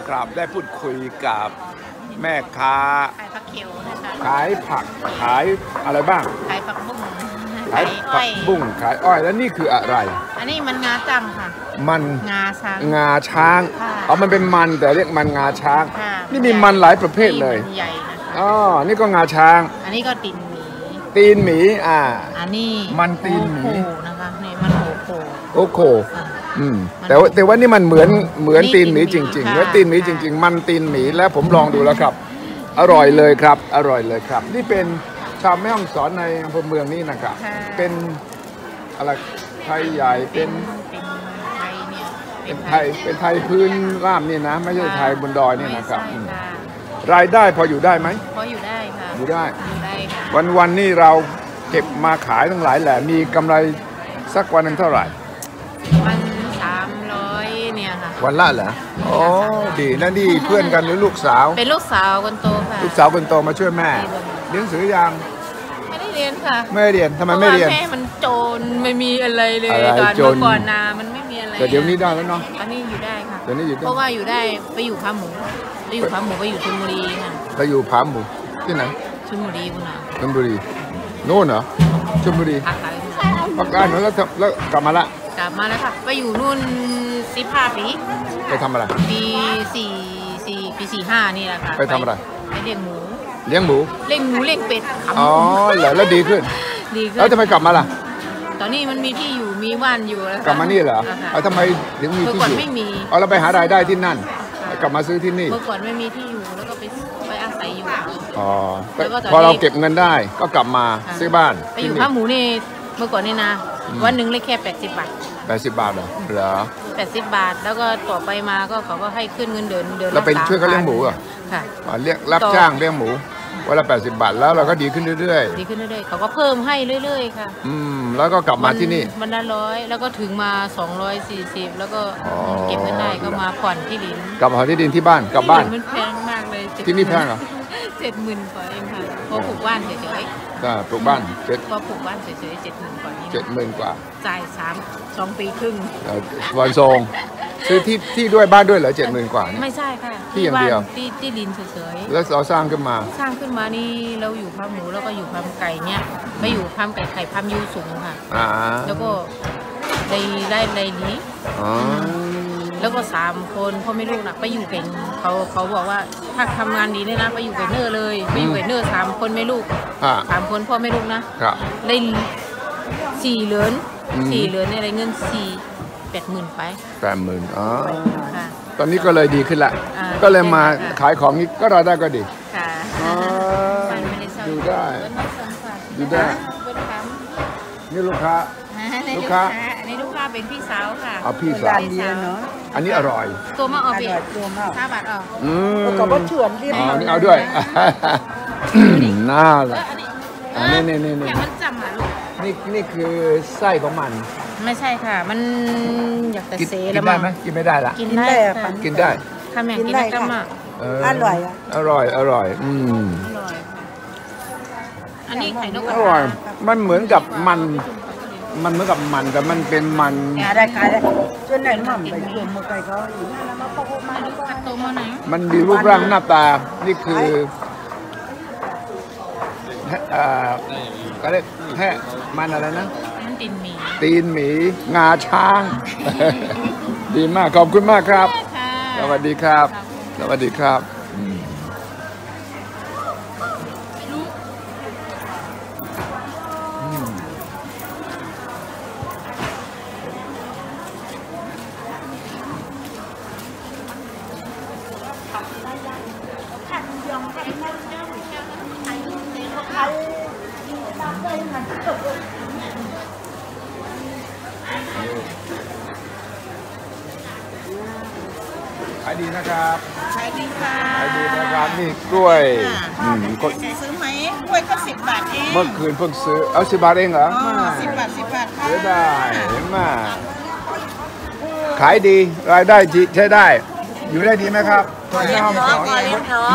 ครับได้พูดคุยกับแม่ค้าขายผักเขียวนะคะขายผักขายอะไรบ้างขายผักบุ้งขายผักบุ้งขายอ้อยแล้วนี่คืออะไรอันนี้มันงาจังค่ะมันงาช้างเอามันเป็นมันแต่เรียกมันงาช้างนี่มีมันหลายประเภทเลยใหญ่นะคะอ๋อนี่ก็งาช้างอันนี้ก็ตีนหมีอันนี้มันตีนหมีนะคะนี่มันโอโคแต่ว่านี่มันเหมือนตีนหมีจริงๆแล้วตีนหมีจริงๆมันตีนหมีแล้วผมลองดูแล้วครับอร่อยเลยครับอร่อยเลยครับนี่เป็นชาวแม่ฮ่องสอนในอำเภอเมืองนี่นะครับเป็นอะไรไทยใหญ่เป็นไทยเนี่ยเป็นไทยพื้นราบนี่นะไม่ใช่ไทยบนดอยนี่นะครับรายได้พออยู่ได้ไหมพออยู่ได้ค่ะอยู่ได้ค่ะวันนี่เราเก็บมาขายทั้งหลายแหละมีกำไรสักวันหนึ่งเท่าไหร่วัน300เนี่ยค่ะวันละเหรอโอ้ดีนั่นนี่เพื่อนกันหรือลูกสาวเป็นลูกสาวคนโตค่ะลูกสาวคนโตมาช่วยแม่เรียนหนังสือยังไม่ได้เรียนค่ะไม่เรียนทำไมไม่เรียนแม่มันโจรไม่มีอะไรเลยตอนเมื่อก่อนนามันไม่มีอะไรแต่เดี๋ยวนี้ได้แล้วเนาะตอนนี้อยู่ได้ค่ะเดี๋ยวนี้อยู่ได้เพราะว่าอยู่ได้ไปอยู่ผาหมูไปอยู่ชลบุรีค่ะไปอยู่ผาหมูที่ไหนชลบุรีคุณน่ะชลบุรีโน่นเหรอชลบุรีพักได้แล้วกลับมาแล้วค่ะไปอยู่นู่น15 ปีไปทำอะไรปี45นี่แหละค่ะไปทำอะไรไปเลี้ยงหมูเลี้ยงเป็ดอ๋อเหรอแล้วดีขึ้นแล้วทำไมกลับมาล่ะตอนนี้มันมีที่อยู่มีบ้านอยู่แล้วกลับมานี่เหรอทำไมถึงมีที่อยู่ไม่มีเราไปหารายได้ที่นั่นกลับมาซื้อที่นี่เมื่อก่อนไม่มีที่อยู่แล้วก็ไปอาศัยอยู่อ๋อพอเราเก็บเงินได้ก็กลับมาซื้อบ้านไปอยู่ผาหมูนี่เมื่อก่อนนี่นะวันหนึ่งเลยแค่80 บาท 80 บาทเหรอ 80 บาทแล้วก็ต่อไปมาก็เขาก็ให้ขึ้นเงินเดือนแล้วเป็นช่วยเขาเลี้ยงหมูอ่ะค่ะเรียกรับจ้างเลี้ยงหมูวันละ80 บาทแล้วเราก็ดีขึ้นเรื่อยๆเขาก็เพิ่มให้เรื่อยๆค่ะแล้วก็กลับมาที่นี่มันละ100แล้วก็ถึงมา240แล้วก็เก็บเงินได้ก็มาผ่อนที่ดินกลับมาที่ดินที่บ้านกลับบ้านมันแพงมากเลยที่นี่แพงเหรอ 70,000 กว่าเองค่ะพอปลูกบ้านเฉยๆปลูกบ้านพอปลูกบ้านเฉยๆ70,000 กว่า 70,000 กว่าจ่าย2 ปีครึ่งวันทรงซื้อที่ด้วยบ้านด้วยเหรอ70,000 กว่าไม่ใช่ค่ะที่อย่างเดียวที่ดินเฉยๆแล้วเราสร้างขึ้นมานี่เราอยู่ผาหมูแล้วก็อยู่ผาไก่เนี่ยไปอยู่ผาไก่ไข่ผายูสูงค่ะแล้วก็ได้นี้แล้วก็3 คนพ่อไม่ลูกนะไปอยู่เก่งเขาบอกว่าถ้าทำงานดีเนี่ยนะไปอยู่เก่งเนอร์เลยไปอยู่เก่งเนอร์3 คนไม่ลูก3 คนพ่อไม่ลูกนะได้4 เหรียญเนี่ยอะไรเงิน80,000 ไป 80,000อ๋อตอนนี้ก็เลยดีขึ้นละก็เลยมาขายของนี้ก็รายได้ก็ดีค่ะดูได้นี่ลูกค้าอันนี้ลูกค้าเป็นพี่สาวค่ะพี่สาวอันนี้อร่อยตัวมาออก5 บาทออกก็บ่เฉือนดินี่เอาด้วยน่าละนี่มันจำอ่ะลูกนี่คือไส้ของมันไม่ใช่ค่ะมันอยากแต่เซแล้วมั้งกินไม่ได้ละกินได้ค่ะแม่กินได้ก็มาอร่อยอร่อยอันนี้ไข่นกกระทามันเหมือนกับมันเหมือนกับมันแต่มันเป็นมันได้ส่วนไหนมันไปรวมมาไก่เขาอีกมันมีรูปร่างหน้าตานี่คือก็เรียกแค่มันอะไรนะตีนหมีงาช้างดีมากขอบคุณมากครับสวัสดีครับขายดีนะครับขายดีค่ะขายดีนะครับนี่กล้วยซื้อไหมกล้วยก็10 บาทเองเมื่อคืนเพิ่งซื้อเอา10 บาทเองเหรอ 10 บาทค่ะเสียได้เห็นไหมขายดีรายได้ใช้ได้อยู่ได้ดีไหมครับพอเลี้ยงท้องคนแม่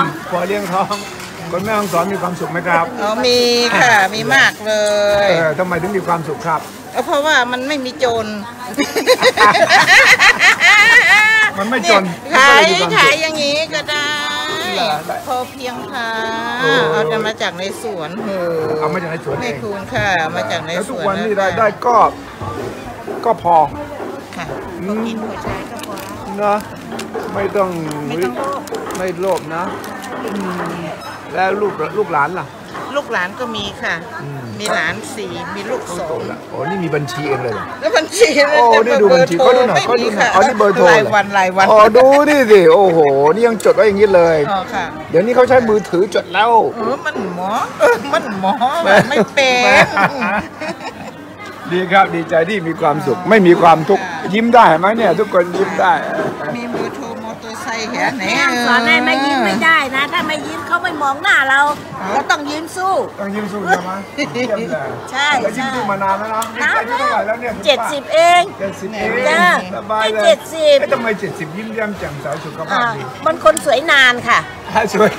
ฮ่องสอนมีความสุขไหมครับมีค่ะมีมากเลยทำไมถึงมีความสุขครับเพราะว่ามันไม่มีโจรมันไม่จนขายมันก็เลยมีควมสุขขายอย่างนี้ก็ได้เหรอพอเพียงค่ะโอ้เอาจะมาจากในสวนเอามาจากในสวนในเองคูณค่ะเอามาจากในแล้วสทุกวนวันนี้ะคะรายได้ก็พอค่ะพอกินพอใช้ก็พอนะไม่ต้องไม่ต้องโลภไม่โลภนะแล้วลูกหลานล่ะลูกหลานก็มีค่ะอืมมีหลานสี่มีลูกสองโอ้นี่มีบัญชีเองเลยเหรอแล้วบัญชีโอ้นี่ดูบัญชีเขาดูหน่อยไม่เขาดูมีหน่อยค่ะอ๋อนี่เบอร์โทรรายวันรายวันอ๋อดูนี่สิโอ้โหนี่ยังจดไว้อย่างนี้เลยอ๋อค่ะเดี๋ยวนี้เขาใช้มือถือจดแล้วมันหมอมันหมอไม่เป็นดีครับดีใจที่มีความสุข ไม่มีความทุกข์ยิ้มได้เห็นไหมเนี่ย ทุกคนยิ้มได้มีมือโทรมอเตอร์ไซค์แค่ไหนแม่สอนให้ไม่ยิ้มไม่ได้นะ ถ้าไม่ยิ้มเขาไม่มองหน้าเราเราต้องยืนสู้ต้องยิ้มสู้ใช่ไหมเยี่ยมเลยใช่แล้วยิ้มสู้มานานแล้วนะนี่อายุเท่าไหร่แล้วเนี่ยคุณป้า 70 เอง 70เองจ้าสบายเลยไม่70 เอ๊ะทำไม70ยิ้มแย้มแจ่มใสสุขภาพดีมันคนสวยนานค่ะสวย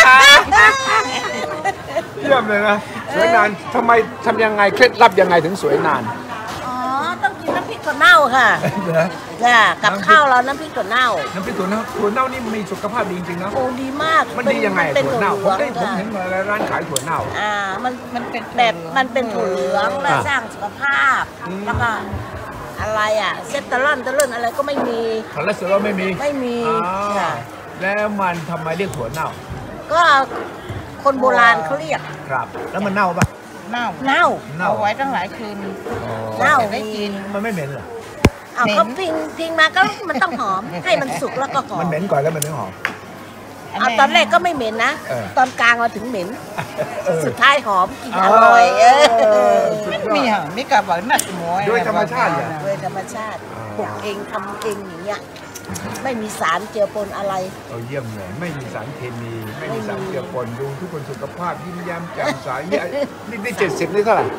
เยี่ยมเลยนะสวยนานทำยังไงเคล็ดลับยังไงถึงสวยนานอ๋อ ต้องกินน้ำพริกถั่วเน่าค่ะเหรอจ้ากับข้าวเราน้ำพริกถั่วเน่าน้ำพริกถั่วเน่านี่มีสุขภาพดีจริงๆนะโอ้ดีมากมันดียังไงเป็นถั่วถั่วเน่าเหผมลืองได้ผมค่ะเห็นมาร้านขายถั่วเน่ามันเป็นแบบมันเป็นถั่วเหลืองและอ่าสร้างสุขภาพ แล้วก็อะไรอ่ะเซตเตอรอนอะไรก็ไม่มีคอเลสเตอรอลไม่มีไม่มีอ๋อค่ะแล้วมันทำไมเรียกถั่วเน่าก็คนโบราณเขาเรียกครับ แล้วมันเน่าปะเน่าเน่าเน่าเอาไว้ตั้งหลายคืนเน่าจะได้กินมันไม่เหม็นเหรอเอาเขาพิงมาก็มันต้องหอม ให้มันสุกแล้วก็หอมันมเหม็นก่อนแล้วมันถึงหอมเอาตอนแรกก็ไม่เหม็นนะเออตอนกลางมาถึงเหม็นเออสุดท้ายหอมกินอร่อยสุดยอดมีค่ะมีกับแบบนัดหมวยด้วยธรรมชาติเหรอโดยธรรมชาติปลูกเองทำเองอย่างเงี้ยไม่มีสารเจือปนอะไรเอาเยี่ยมเลยไม่มีสารเคมี ไม่มีสารเจือปนดูทุกคนสุขภาพยิ้มแย้มแจ่มใสนี่70นี่เท่าไหร่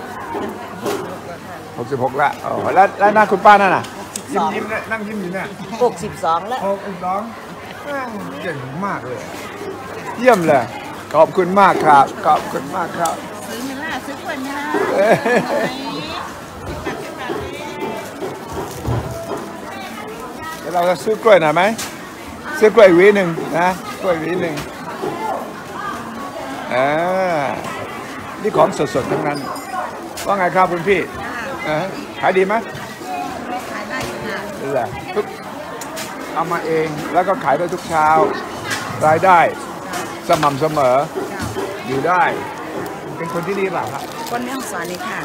66ละอ๋อแล้วหน้าคุณป้านั่นน่ะยิ้มเนี่ยนั่งยิ้มอยู่เนี่ย 62 แล้วเก่งมากเลย เยี่ยมเลย ขอบคุณมากครับ ขอบคุณมากครับซื้อไม่ล่าซื้อกล้วยไม่ล่าเอ้ยเดี๋ยวเราจะซื้อกล้วยหน่อยไหมซื้อกล้วยหวีหนึ่งนะกล้วยหวีหนึ่งนี่ของสดๆทั้งนั้นว่าไงครับคุณพี่ขายดีไหมขายได้เหรอทุกเอามาเองแล้วก็ขายได้ทุกเช้ารายได้สม่ำเสมออยู่ได้ เป็นคนที่ดีหรือเปล่าครับคนเรื่องสอนนี่ค่ะ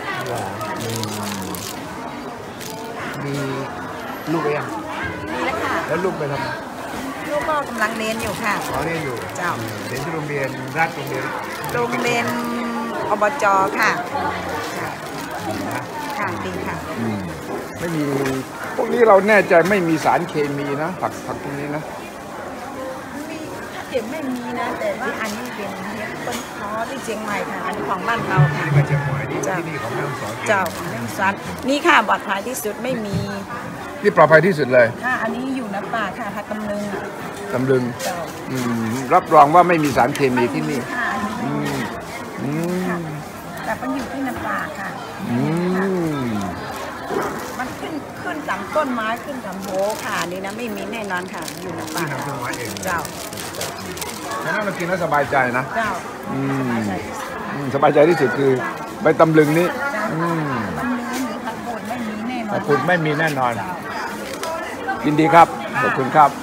มีลูกหรือยังนี่แหละค่ะแล้วลูกไปทำไมลูกก็กำลังเรียนอยู่ค่ะอ๋อเรียนอยู่เจ้าเรียนที่โรงเรียนราชโรงเรียนโรงเรียนอบจค่ะนะค่ะดีค่ะไม่มีพวกนี้เราแน่ใจไม่มีสารเคมีนะผักพวกนี้นะถ้าเก็บไม่มีนะ แต่ว่าอันนี้เป็นต้นคอที่เชียงใหม่ค่ะ อันนี้ของบ้านเราค่ะนี่มาเชียงใหม่นี่เจ้าที่นี่ของแม่ฮ่องสอนเจ้าเรื่องสัตว์นี่ค่ะปลอดภัยที่สุดไม่มีนี่ปลอดภัยที่สุดเลยค่ะอันนี้อยู่ในป่าค่ะพักตำลึงอ่ะตำลึงเจ้ารับรองว่าไม่มีสารเคมีที่นี่ค่ะอันนี้อืมอืมแต่มันอยู่ที่ในป่าค่ะอืมมันขึ้นตามต้นไม้ขึ้นตามโบค่ะนี่นะไม่มีแน่นอนค่ะ อยู่ในป่าที่ทำต้นไม้เองเจ้าฉะนั้นเรากินแล้วสบายใจนะเจ้าอืมใช่สบายใจที่สุดคือใบตำลึงนี้อืมมันเนื้อหรือผักบดไม่มีแน่นอขนอบคุณไม่มีแน่นอน ยินดีครับ ขอบคุณครับ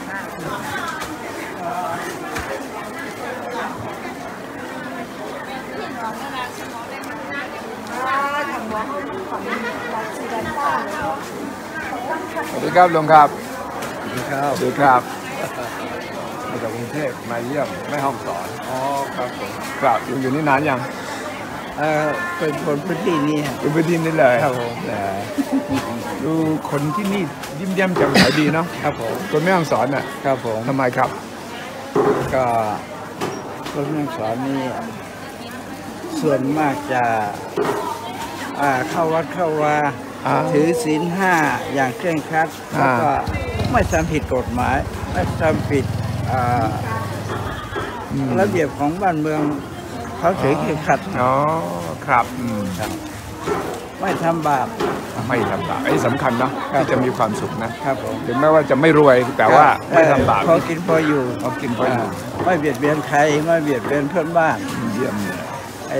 สวัสดีครับลุงครับสวัสดีครับสวัสดีครับมาจากกรุงเทพมาเยี่ยมแม่ห้องสอนอ๋อครับผมครับอยู่นี่นานยังเป็นคนพื้นที่นี่ฮะอยู่พื้นที่นี่เลยครับผมดูคนที่นี่ยิ้มแย้มแจ่มใสดีเนาะครับผมคนแม่ห้องสอนน่ะครับผมทำไมครับก็คนเมืองสอนนี่ส่วนมากจะเข้าวัดเข้าวา ถือศีล5อย่างเคร่งครัดแล้วก็ไม่ทำผิดกฎหมาย ไม่ทำผิดระเบียบของบ้านเมืองเขาถือเคร่งครัดอ๋อครับครับไม่ทำบาปไม่ทำบาปไอ้สำคัญนะที่จะมีความสุขนะครับผมถึงแม้ว่าจะไม่รวยแต่ว่าไม่ทำบาปพอกินพออยู่พอกินพออยู่ไม่เบียดเบียนใครไม่เบียดเบียนเพื่อนบ้านเยี่ยมเลยไอ้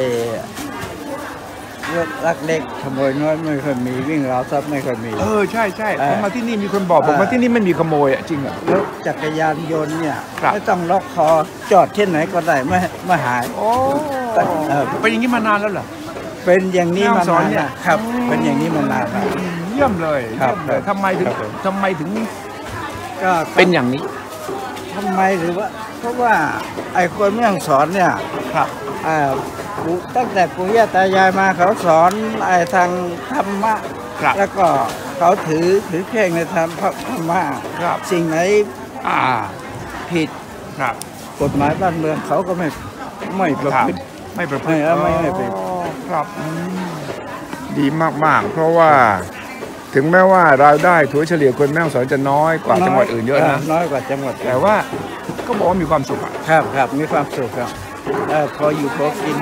ลักเล็กขโมยน้อยไม่เคยมีวิ่งราวทรัพย์ไม่เคยมีใช่ผมมาที่นี่มีคนบอกผมมาที่นี่ไม่มีขโมยจริงเหรอรถจักรยานยนต์เนี่ยครับไม่ต้องล็อกคอจอดที่ไหนก็ได้ไม่หายโอ้ เป็นอย่างนี้มานานแล้วเหรอเป็นอย่างนี้มาแม่ฮ่องสอนนานเนี่ยครับ เป็นอย่างนี้มานานแล้วเยี่ยมเลยครับเยี่ยมเลยทำไมถึงครับผมทำไมถึงก็เป็นอย่างนี้ทำไมหรือว่า เพราะว่าไอ้คนแม่ฮ่องสอนเนี่ยครับตั้งแต่ปู่ย่าตายายมาเขาสอนไอ้ทางธรรมะครับแล้วก็เขาถือเคร่งในธรรมะครับสิ่งไหนผิดครับกฎหมายบ้านเมืองเขาก็ไม่ประพฤติไม่ประพฤติไม่ไปครับดีมากๆ เพราะว่าถึงแม้ว่ารายได้ถัวเฉลี่ยคนแม่ฮ่องสอนจะน้อยกว่าจังหวัดอื่นเยอะนะน้อยกว่าจังหวัดแต่ว่าก็บอกว่ามีความสุขอะครับมีความสุขครับพออยู่พอกิน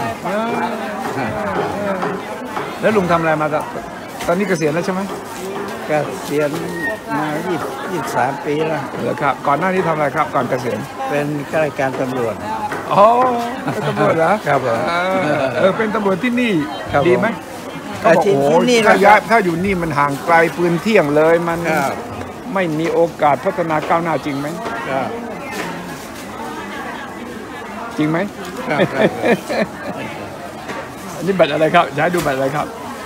แล้วลุงทำอะไรมาตอนนี้เกษียณแล้วใช่ไหมเกษียณมา23 ปีแล้วเหรอครับ ก่อนหน้านี้ทำอะไรครับ ก่อนเกษียณเป็นข้าราชการตำรวจอ๋อเป็นตำรวจเหรอครับผมเป็นตำรวจที่นี่ครับผมดีไหมที่โอ้โหนี่ถ้านะคย้ารัยบถ้าอยู่นี่มันห่างไกลปืนเที่ยงเลยมันครับไม่มีโอกาสพัฒนาก้าวหน้าจริงไหมครับจริงไหมครับอันนี้บัตรอะไรครับจะให้ดูบัตรอะไรครับ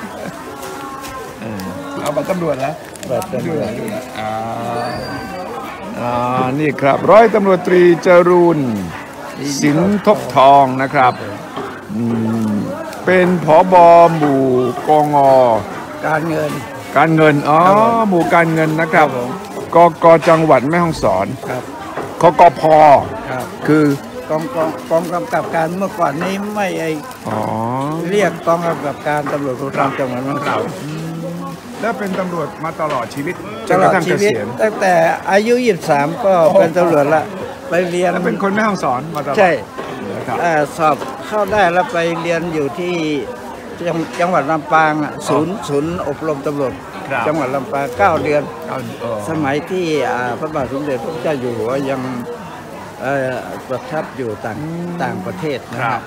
เอาบัตรตำรวจแล้วแบบตำรวจนี่ครับร้อยตำรวจตรีจรูนสินทบทองนะครับเป็นผบ.หมู่กง. การเงินการเงินหมู่การเงินนะครับครับผมกจังหวัดแม่ฮ่องสอนครับคกพ. ครับคือกองกำกับการเมื่อก่อนนี้ไม่เรียกกองกำกับการตำรวจภูธรจังหวัดแม่ฮ่องสอนแล้วเป็นตำรวจมาตลอดชีวิตจตนลกอระดทั่งชีเกวิตษียณตั้งแต่อายุ23ก็เป็นตำรวจละไปเรียนแล้วเป็นคนแม่ฮ่องสอนมาตลอดใช่นะครับสอบเข้าได้แล้วไปเรียนอยู่ที่จังหวัดลำปางศูนย์อบรมตำรวจครับจังหวัดลำปาง9 เดือน สสมัยที่พระบาทสมเด็จพระเจ้าอยู่หัวยังประทับอยู่ต่างประเทศนะคครัรับบ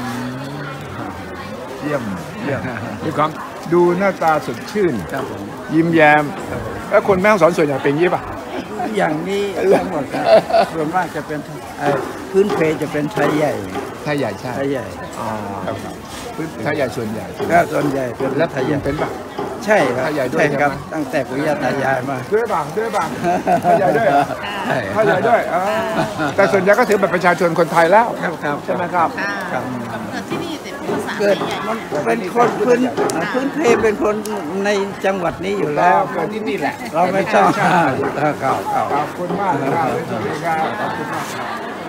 เยี่ยมมีความดูหน้าตาสดชื่นครับผมยิ้มแย้มแล้วคนแม่ฮ่องสอนส่วนใหญ่เป็นอย่างนี้ป่ะอย่างนี้ทั้งหมดครับส่วนมากจะเป็นพื้นเพจะเป็นไทยใหญ่ไทยใหญ่ใช่ไทยใหญ่ครับไทยใหญ่ส่วนใหญ่ก็ส่วนใหญ่เป็นแล้วไทยใหญ่เป็นป่ะใช่ครับไทยใหญ่ด้วยใช่ครับใช่ไหมตั้งแต่ปู่ย่าตายายมาด้วยบ้างไทยใหญ่ด้วยเหรอใช่ไทยใหญ่ด้วยแต่ส่วนใหญ่ก็ถือบัตรประชาชนคนไทยแล้วครับใช่ไหมครับครับที่นี่แต่ภาษาเกิดมันเป็นคนพื้นเพเป็นคนในจังหวัดนี้อยู่แล้วเกิดที่นี่แหละเราไม่ต้องใช่ครับขอบคุณมากนะครับสวัสดีครับขอบคุณมากครับ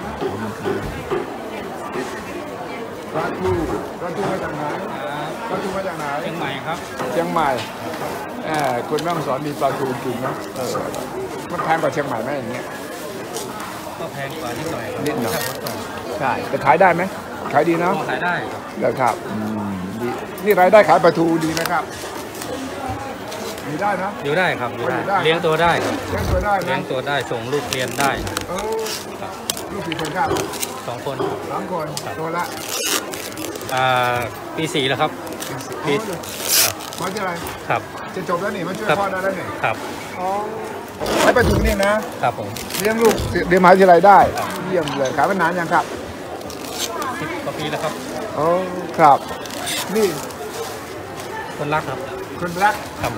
ปลาทูมาจากไหนปลาทูมาจากไหนเชียงใหม่ครับเชียงใหม่คุณแม่ฮ่องสอนมีปลาทูกินนะมันแพงกว่าเชียงใหม่ไหมอย่างเงี้ยก็แพงกว่านิดหน่อยครับนิดหน่อยถ้าขนส่งใช่แต่ขายได้ไหมขายดีเนาะก็ขายได้ครับแล้วครับดีนี่รายได้ขายปลาทูดีไหมครับมีได้นะอยู่ได้ครับอยู่ได้อยู่ได้เลี้ยงตัวได้ครับเลี้ยงตัวได้เลี้ยนะงตัวได้ส่งลูกเรียนได้เออลูกกี่คนครับ 2 คน 3 คนตัวละปี 4 แล้วครับ ปีมาที่อะไรครับจะจบแล้วนี่มาช่วยครับพ่อได้แล้วนี่ครับใช้ปลาทูนี่นะครับผมเลี้ยงลูกเรียนมหาวิทยาลัยได้เยี่ยมเลยขายมานานยังครับ 10 กว่าปีแล้วครับโอ้ครับนี่คนรักครับคนรักครับ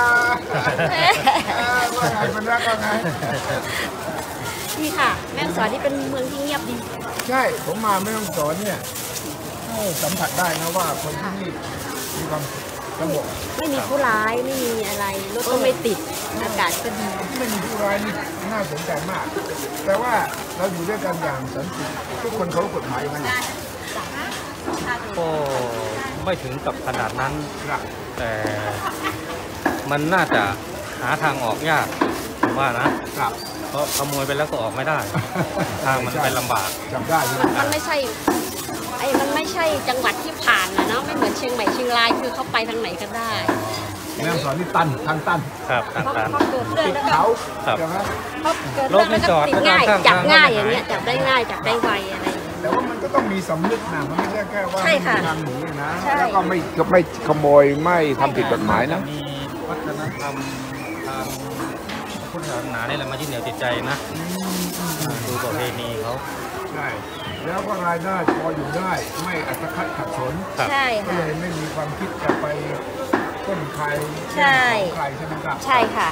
ว่าไงคนรักว่าไงนี่ค่ะ แม่ฮ่องสอนนี่เป็นเมืองที่เงียบดีใช่ผมมาแม่ฮ่องสอนเนี่ยสัมผัสได้นะว่าคนที่นี่มีความสงบไม่มีผู้ร้ายไม่มีอะไรรถก็ไม่ติดอากาศก็ดีไม่มีผู้ร้ายนี่น่าสนใจมาก แต่ว่าเราอยู่ด้วยกันอย่างสันติทุกคนเคารพกฎหมายมันก็ไม่ถึงกับขนาดนั้นครับแต่มันน่าจะหาทางออกยากผมว่านะครับเพราะขโมยไปแล้วก็ออกไม่ได้ ทางมันไปลำบากจำได้ใช่ไหมมันไม่ใช่มันไม่ใช่จังหวัดที่ผ่านนะเนาะไม่เหมือนเชียงใหม่เชียงรายคือเขาไปทางไหนก็ได้แม่ฮ่องสอนนี่ตันทางตันครับทางการพอเกิดเรื่องแล้วก็เขาครับใช่ไหมพอเกิดเรื่องแล้วก็ติดง่ายรถไม่จอดจับง่ายข้างทางอย่างเงี้ยจับได้ง่ายจับได้ไวอะไรอย่างเงี้ยแต่ว่ามันก็ต้องมีสำนึกนะมันไม่ใช่แค่ว่าใช่ค่ะทางหนีนะใช่แล้วก็ไม่ขโมยไม่ทำผิดกฎหมายนะมีวัฒนธรรมทางพุทธศาสนาเนี่ยแหละมายึดเหนี่ยวจิตใจนะดูประเพณีเขาใช่แล้วก็รายได้พออยู่ได้ไม่อัตคัดขัดสนครับใช่ก็ค่ะเลยไม่มีความคิดจะไปต้นใครใช่ของใครใช่ไหมครับใช่ค่ะ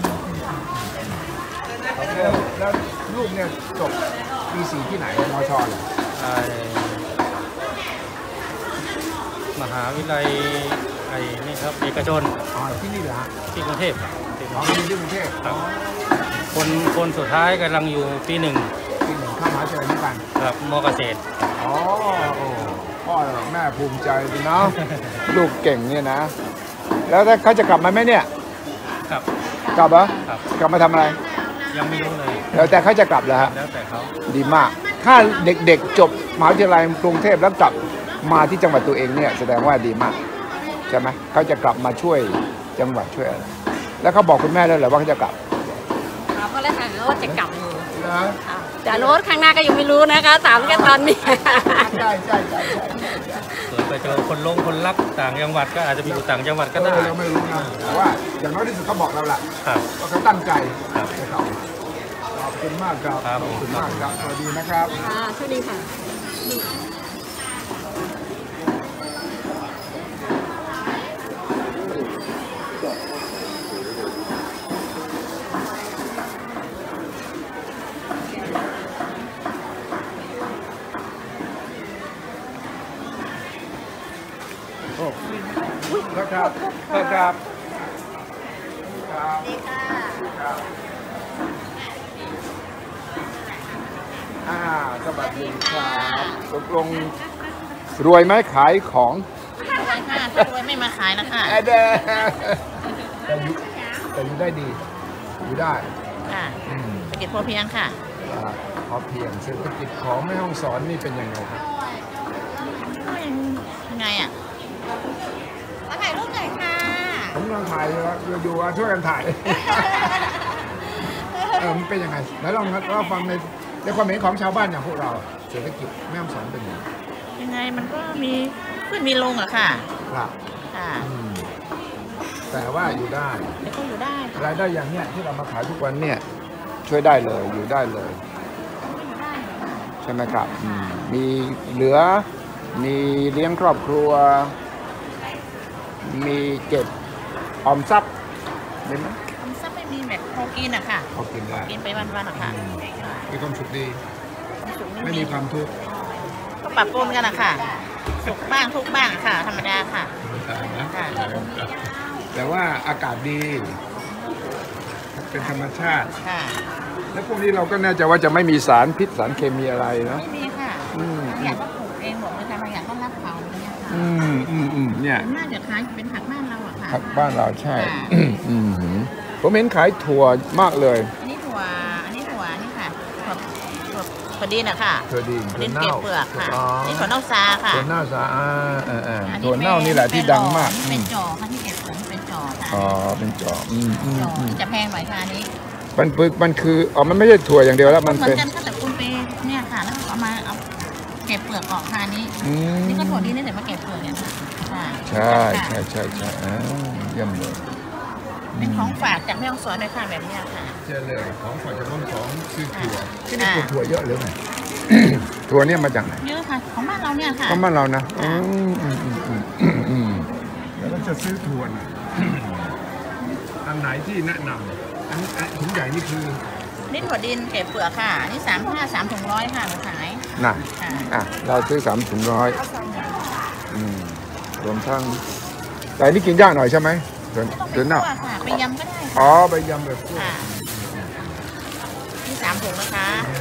แล้วลูกเนี่ยจบปี4ที่ไหนมชเหรอไอ้มหาวิทยาลัยไอ้นี่ครับเอกชนอ๋อที่นี่เหรอฮะที่กรุงเทพครับอ๋อที่กรุงเทพครับคนสุดท้ายกำลังอยู่ปี 1 ที่หนึ่งเข้ามหาวิทยาลัยนี้กันครับมเกษตรอ๋อโอ้พ่อแม่ภูมิใจดีเนาะ ลูกเก่งเนี่ยนะ แล้วถ้าเขาจะกลับมาไหมเนี่ยครับกลับเหรอครับกลับมาทำอะไรยังไม่รู้เลยแล้วแต่เขาจะกลับเหรอฮะแล้วแต่เขาดีมาก ถ้าเด็กๆจบมหาวิทยาลัยกรุงเทพแล้วกลับมาที่จังหวัดตัวเองเนี่ยแสดงว่าดีมากใช่ไหมเขาจะกลับมาช่วยจังหวัดช่วยอะไรแล้วเขาบอกคุณแม่แล้วเหรอว่าเขาจะกลับถามเขาแล้วค่ะว่าจะกลับอยู่นะแต่รถข้างหน้าก็ยังไม่รู้นะคะถามแค่ตอนนี้ใช่ใช่ใช่เกิดไปเจอคนรักต่างจังหวัดก็อาจจะไปอยู่ต่างจังหวัดก็ได้เราไม่รู้นะแต่ว่าอย่างน้อยที่สุดเขาบอกเราแหละครับว่าเขาตั้งใจครับนะครับขอบคุณมากครับครับขอบคุณมากครับสวัสดีนะครับค่ะสวัสดีค่ะนะครับนะครับครับดีค่ะครับสวัสดีครับตกลงรวยไหมขายของค่ะถ้ารวยไม่มาขายนะคะแดแต่อยู่ได้ดี อยู่ได้ค่ะอืมเศรษฐกิจพอเพียงค่ะพอเพียงเศรษฐกิจของแม่ฮ่องสอนนี่เป็นยังไงครับยังไงอ่ะมาถ่ายรูปหน่อยค่ะผมกำลังถ่ายอยู่ช่วยกันถ่าย มันเป็นยังไงแล้วลองเราฟังในความเห็นของชาวบ้านอย่างพวกเราเศรษฐกิจแม่ฮ่องสอนเป็นยังไงยังไงมันก็มีขึ้นมีลงอะค่ะครับค่ะอืมแต่ว่าอยู่ได้แต่ก็อยู่ได้ค่ะรายได้อย่างเนี้ยที่เรามาขายทุกวันเนี่ยช่วยได้เลยอยู่ได้เลย ใช่ไหมครับมีเหลือมีเลี้ยงครอบครัว มีเก็บออมทรัพย์ได้ไหมทำซับไม่มีแบบพอกินอะค่ะพอกินได้กินไปวันๆอะค่ะมีความสุขดีความสุขไม่มีความทุกข์ก็ปรับปรุงกันอะค่ะ สุขบ้างทุกข์บ้างอะค่ะ ธรรมดาค่ะนะค่ะแต่ว่าอากาศดี เป็นธรรมชาติค่ะแล้วพวกนี้เราก็แน่ใจว่าจะไม่มีสารพิษสารเคมีอะไรเนาะไม่มีค่ะอืมอยากก็ปลูกเองหมดเลยค่ะบางอย่างก็รับเขาอย่างเงี้ยค่ะเนี่ยน่าจะขายเป็นผักบ้านเราอะค่ะผักบ้านเราใช่ค่ะผมเห็นขายถั่วมากเลยอันนี้ถั่วนี่ค่ะถั่วดินอะค่ะถั่วดินถั่วดินเก็บเปลือกค่ะอ๋อนี่ถั่วเน่าซาค่ะถั่วเน่าสะอาดอัถั่วเน่านี่แหละที่ดังมากเป็นจ่อค่ะที่เก็บเปลือกเป็นจ่อค่ะอ๋อเป็นจอกจ่อจะแพงหน่อยค่ะอันนี้มันคืออ๋อมันไม่ใช่ถั่วอย่างเดียวแล้วมันเหมือเป็นนกันค่ะแต่คุณไปเนี่ยค่ะแล้วเอามาเอาเก็บเปลือกออกค่ะอันนี้อืมนี่ก็ถั่วดินนี่แต่มาเก็บเปลือกเนี่ยค่ะค่ะใช่เยี่ยมเลยเป็นของฝากจากแม่ฮ่องสอนเลยค่ะแบบเนี้ยค่ะเจอเลยของฝากจากน้องของคือถั่วอ่าที่นี่ปลูกถั่วเยอะหรือไง ถั่วเนี่ยมาจากไหนเยอะค่ะของบ้านเราเนี่ยค่ะก็บ้านเรานะแล้วก็จะซื้อถั่วน่ะ อันไหนที่แนะนำอันถุงใหญ่นี่คือนี่ถั่วดินเก็บเปลือกค่ะอันนี่3 ถุง100ค่ะมาขายน่ะค่ะเราซื้อ3 ถุง100รวมทั้งแต่อันนี่กินยากหน่อยใช่ไหมถั่วไม่ต้องไปถั่วเน่าคั่วค่ะไปยำก็ได้อ๋ค่ะอไปยำแบบพวกค่ะนี่3 ถุงนะคะ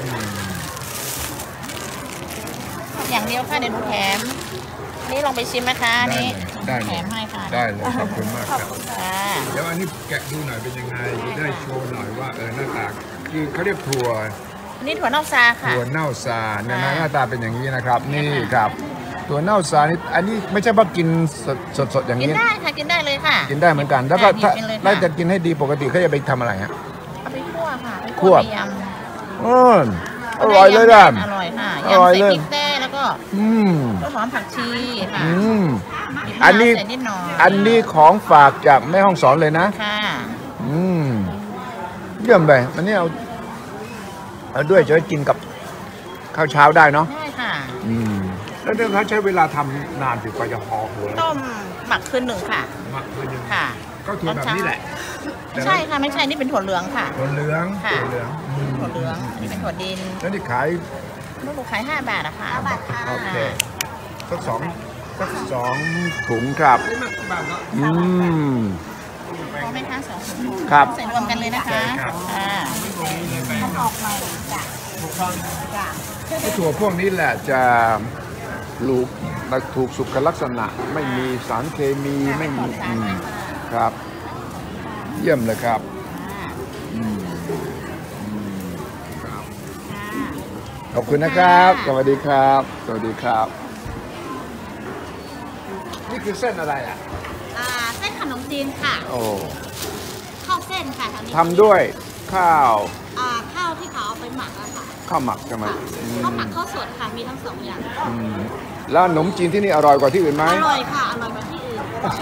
อย่างเดียวค่ะเดี๋ยวหนูแถมอันนี่ลองไปชิมนะคะอันนี้ได้แถเลยมให้ค่ะได้เลยขอบคุณมากครับค่ะเดี๋ยวอันนี้แกะดูหน่อยเป็นยังไงจะได้โชว์หน่อยว่าหน้าตาคือเขาเรียกถั่วอันนี่ถั่วเน่าซาค่ะถั่วเน่าซาเนี่ยนะค่ะหน้าตาเป็นอย่างนี้นะครับ นี่ครับถั่วเน่าสานี่อันนี้ไม่ใช่ว่ากินสดอย่างกินนี้ได้ค่ะกินได้เลยค่ะกินได้เหมือนกัน แล้วก็ค่ะถ้ากินเลยค่ะแล้วจะกินให้ดีปกติเขาจะไปทำอะไรฮะเอาไปคั่วค่ะไปคั่วไปยอร่อยเลยนะำอร่อยค่ะอร่อยยำเลใส่ยพริกแต้แล้วก็อืมต้นหอมผักชีค่ะอืมมีอันนี้ใส่นิดหน่อยอันนี้ของฝากจากแม่ห้องสอนเลยนะค่ะอืมเยี่ยมไปอันนี้เอาด้วยจะได้กินกับข้าวเช้าได้เนาะได้ค่ะอืมแล้วเรื่องเขาใช้เวลาทำนานถึงกว่าจะห่อหัวต้มหมักคืนหนึ่งค่ะหมักไปยังค่ะก็ถั่วแบบนี้แหละไม่ใช่ค่ะไม่ใช่นี่เป็นถั่วเหลืองค่ะถั่วเหลืองค่ะถั่วเหลืองอืมถั่วเหลืองอันนี่เป็นถั่วดินแล้วนี่ขายลูกหนูขาย5 บาทนะคะ5 บาทค่ะโอเคสักสองถุงครับอืมพอไหมคะ2 ถุงครับใส่รวมกันเลยนะคะครับค่ะออกมาจ้ะจ้ะไอ้ถั่วพวกนี้แหละจะถูกสุขลักษณะ ไม่มีสารเคมีไม่มีครับ เยี่ยมเลยครับอืมครับขอบคุณนะครับ สวัสดีครับ สวัสดีครับ นี่คือเส้นอะไรอ่ะเส้นขนมจีนค่ะโอ้ข้าวเส้นค่ะแถวนี้ทำด้วยข้าวข้าวที่เขาเอาไปหมักอะค่ะข้าวหมักใช่ไหมค่ะอืมข้าวหมักข้าวสดค่ะมีทั้ง2 อย่างอืมแล้วขนมจีนที่นี่อร่อยกว่าที่อื่นไหมอร่อยค่ะอร่อยกว่าที่อื่น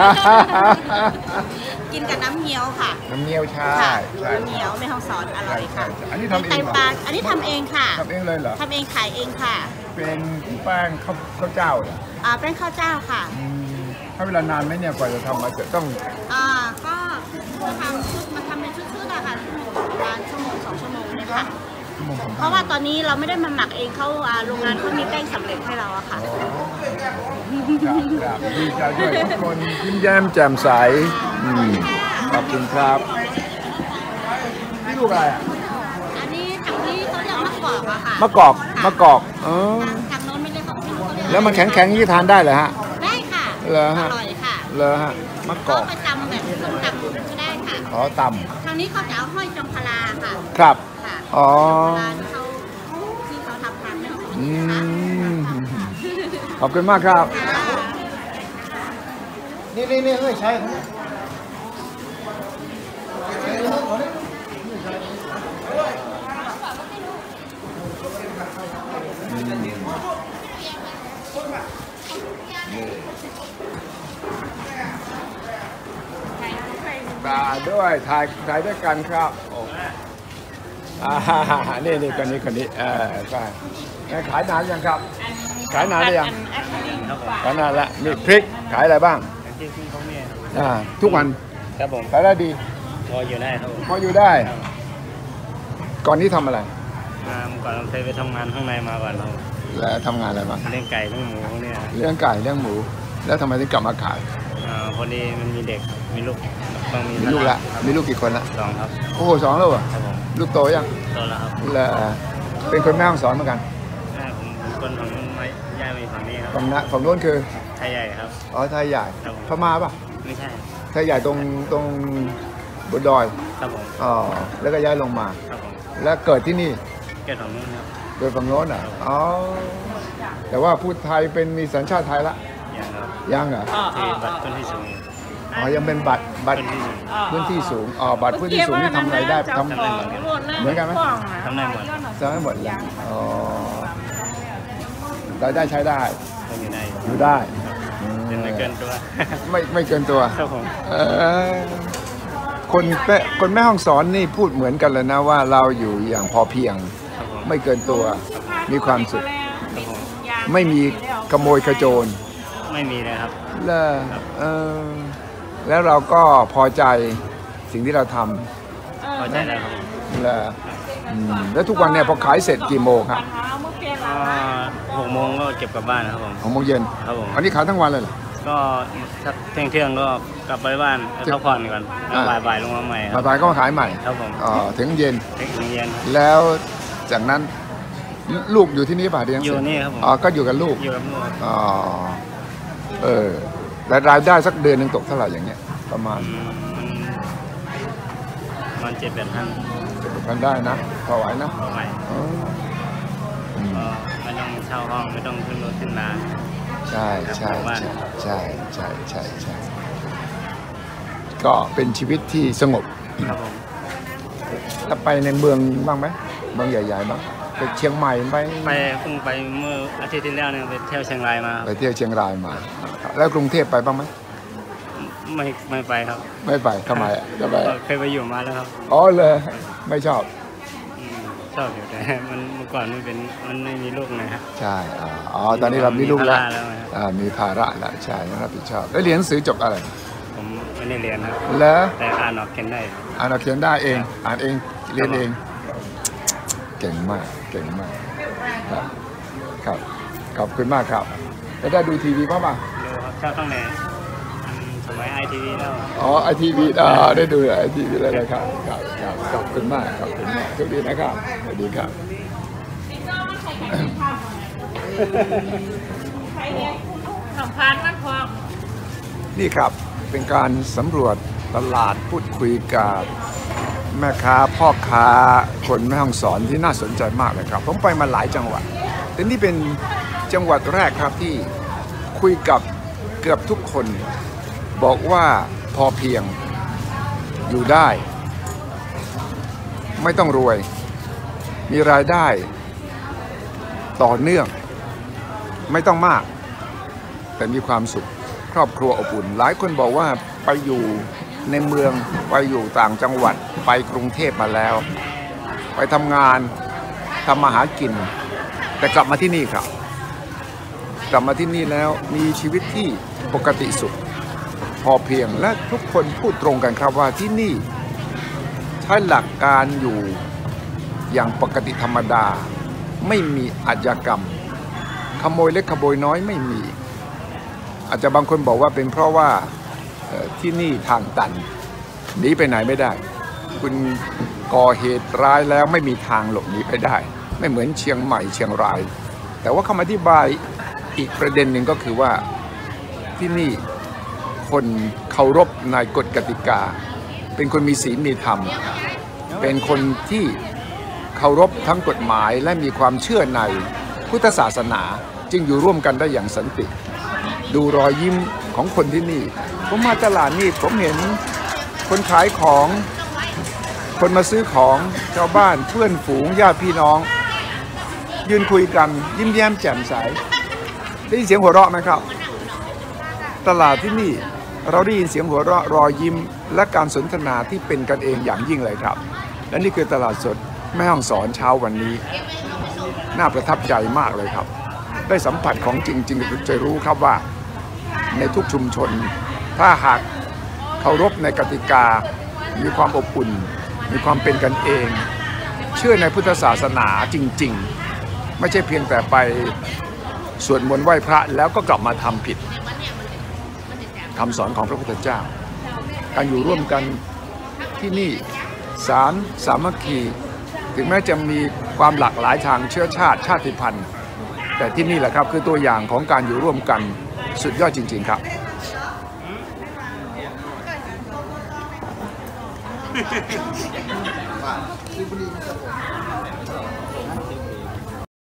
กินกับน้ำเงี้ยวค่ะน้ำเงี้ยวใช่ค่ะใช่น้ำเงี้ยวไม่ห้องสอนอร่อยค่ะใช่อันนี้ทำเองเหรอไตปลาอันนี้ทำเองค่ะทำเองเลยเหรอทำเองขายเองค่ะเป็นแป้งข้าวเจ้าเหรอเป็นข้าวเจ้าค่ะอืมถ้าเวลานานไหมเนี่ยกว่าจะทำมาจะต้องก็มาทำเป็นชุดๆอะค่ะประมาณ1 ชั่วโมง 2 ชั่วโมงเนี่ยค่ะชั่วโมงเพราะว่าตอนนี้เราไม่ได้มาหมักเองเขาโรงงานเขามีแป้งสำเร็จให้เราอะค่ะครับดีใจด้วยทุกคนยิ้มแย้มแจ่มใสอืมขอบคุณครับนี่ลูกอะไรอ่ะอันนี้ทางนี้เขาเรียกมะกอกอะค่ะมะกอกมะกอกอ๋อทางโน้นไม่ได้ของที่เขาเรียกแล้วมันแข็งๆนี่ทานได้เหรอฮะได้ค่ะเหรอฮะอร่อยค่ะเหรอฮะมะกก็อกไปตำแบบส้มตำก็ได้ค่ะขอตทางนี้เขาจะเอาห้อยจงพลาค่ะำครับค่ะอ๋อเวลาที่เขาทำทานไม่ต้องอืมขอบคุณมากครับค่ะนี่เอ้ยใช่มาด้วยถ่ายด้วยกันครับโอ้นี่คนนี้ใช่ขายนานยังครับ ขายนานหรือยังขายนานแล้วมีพริกขายอะไรบ้างที่เขาเนี่ยทุกวันครับผมขายได้ดีพออยู่ได้ครับผมพออยู่ได้ ก่อนนี้ทำอะไรก่อนเราเคยไปทำงานข้างในมาก่อนเราแล้วทำงานอะไรบ้างเลี้ยงไก่เลี้ยงหมูพวกเนี่ยเลี้ยงไก่เลี้ยงหมู แล้วทำไมถึงกลับมาขายพอดีมันมีเด็กมีลูกต้องมีมีลูกละมีลูกกี่คนละ 2 ครับโอ้โห2แล้วเหรอครับผมลูกโตยังโตแล้วครับแล้วเป็นคนแม่ห้องสอนเหมือนกันแม่ผมเป็นคนฝั่งนู้นมาย้ายมาอยู่ฝั่งนี้ครับฝั่งโน้นคือไทยใหญ่ครับอ๋อไทยใหญ่ครับผมพม่าป่ะไม่ใช่ไทยใหญ่ตรงบนดอยครับผมอ๋อแล้วก็ย้ายลงมาครับผมแล้วเกิดที่นี่เกิดฝั่งนู้นครับโดยฝั่งโน้นอ่ะอ๋อแต่ว่าพูดไทยเป็นมีสัญชาติไทยละอย่างครับยังเหรอที่บัตรต้นที่สูงอ๋อยังเป็นบัตรต้นที่สูงพื้นที่สูงอ๋อบัตรพื้นที่สูงนี่ทำอะไรได้ทำเหมือนกันไหมทำได้หมดทำได้หมดเลยอ๋อรายได้ใช้ได้ก็อยู่ได้อยู่ได้เป็นไม่เกินตัวไม่เกินตัวครับผมคนแม่ห้องสอนนี่พูดเหมือนกันเลยนะว่าเราอยู่อย่างพอเพียงครับผมไม่เกินตัวมีความสุขครับผมไม่มีขโมยขโจรไม่มีเลยครับแล้วเราก็พอใจสิ่งที่เราทพอใจแล้วครับผมำแล้วทุกวันเนี่ยพอขายเสร็จกี่โมงครับก็6 โมงก็เก็บกลับบ้านครับผม 6 โมงเย็นครับผมอันนี้ขายทั้งวันเลยเหรอก็ถ้าเที่ยงก็กลับไปบ้านพักผ่อนก่อนแล้วบ่ายๆลงมาใหม่ครับบ่ายๆก็มาขายใหม่ครับผมถึงเย็นถึงเย็นแล้วจากนั้นลูกอยู่ที่นี่ป่ะเรียนอยู่นี่ครับผมก็อยู่กับลูกอยู่กับลูกแต่รายได้สักเดือนหนึ่งตกเท่าไหร่อย่างเงี้ยประมาณมัน7-8 พันกันได้นะพอไหวนะใหม่อ๋อก็ไม่ต้องเช่าห้องไม่ต้องขึ้นรถขึ้นลาใช่ครับใช่หมู่บ้านใช่ใช่ใช่ใช่ก็เป็นชีวิตที่สงบครับผมแล้วไปในเมืองบ้างไหมเมืองใหญ่ๆบ้างไปเชียงใหม่ไปเพิ่งไปเมื่ออาทิตย์ที่แล้วเนี่ยไปเที่ยวเชียงรายมาไปเที่ยวเชียงรายมา แล้วกรุงเทพไปบ้างไหมไม่ไปครับไม่ไปทำไมทำไมเคยไปอยู่มาแล้วครับอ๋อเลยไม่ชอบชอบอยู่แต่มันเมื่อก่อนมันไม่มีลูกนะฮะใช่อ๋อตอนนี้เรามีลูกแล้วมีภาระแล้วนะครับมีภาระแล้วใช่ต้องรับผิดชอบแล้วเรียนหนังสือจบอะไรผมไม่ได้เรียนครับแล้วแต่อ่านออกเขียนได้อ่านเขียนได้เองอ่านเองเรียนเองเก่งมากเก่งมากครับครับขอบคุณมากครับแล้วได้ดูทีวีบ้างป่ะดูครับชอบตั้งแต่สมัยไอทีวีแล้วอ๋อไอทีวีได้ดูไอทีวีแล้วนะครับครับครับขอบคุณมากขอบคุณมากสวัสดีนะครับสวัสดีครับสัมภาษณ์มันพอนี่ครับเป็นการสำรวจตลาดพูดคุยกับแม่ค้าพ่อค้าคนแม่ฮ่องสอนที่น่าสนใจมากเลยครับผมไปมาหลายจังหวัดแต่นี่เป็นจังหวัดแรกครับที่คุยกับเกือบทุกคนบอกว่าพอเพียงอยู่ได้ ไม่ต้องรวยมีรายได้ต่อเนื่องไม่ต้องมากแต่มีความสุขครอบครัวอบอุ่นหลายคนบอกว่าไปอยู่ในเมืองไปอยู่ต่างจังหวัดไปกรุงเทพมาแล้วไปทำงานทำมาหากินแต่กลับมาที่นี่ครับกลับมาที่นี่แล้วมีชีวิตที่ปกติสุขพอเพียงและทุกคนพูดตรงกันครับว่าที่นี่ใช้หลักการอยู่อย่างปกติธรรมดาไม่มีอาชญากรรมขโมยเล็กขโมยน้อยไม่มีอาจจะบางคนบอกว่าเป็นเพราะว่าที่นี่ทางตันหนีไปไหนไม่ได้คุณก่อเหตุร้ายแล้วไม่มีทางหลบหนีไปได้ไม่เหมือนเชียงใหม่เชียงรายแต่ว่าคำอธิบายอีกประเด็นหนึ่งก็คือว่าที่นี่คนเคารพในกฎกติกาเป็นคนมีศีลมีธรรมเป็นคนที่เคารพทั้งกฎหมายและมีความเชื่อในพุทธศาสนาจึงอยู่ร่วมกันได้อย่างสันติดูรอยยิ้มของคนที่นี่ผมมาตลาดนี่ผมเห็นคนขายของคนมาซื้อของชาวบ้านเพื่อนฝูงญาติพี่น้องยืนคุยกันยิ้มแย้มแจ่มใสได้ยินเสียงหัวเราะไหมครับตลาดที่นี่เราได้ยินเสียงหัวเราะรอยยิ้มและการสนทนาที่เป็นกันเองอย่างยิ่งเลยครับและนี่คือตลาดสดแม่ฮ่องสอนเช้าวันนี้น่าประทับใจมากเลยครับได้สัมผัสของจริงๆจะรู้ครับว่าในทุกชุมชนถ้าหากเคารพในกติกามีความอบอุ่นมีความเป็นกันเองเชื่อในพุทธศาสนาจริงๆไม่ใช่เพียงแต่ไปสวดมนต์ไหว้พระแล้วก็กลับมาทำผิดคำสอนของพระพุทธเจ้าการอยู่ร่วมกันที่นี่สามัคคีถึงแม้จะมีความหลากหลายทางเชื้อชาติชาติพันธุ์แต่ที่นี่แหละครับคือตัวอย่างของการอยู่ร่วมกันสุดยอดจริงๆครับ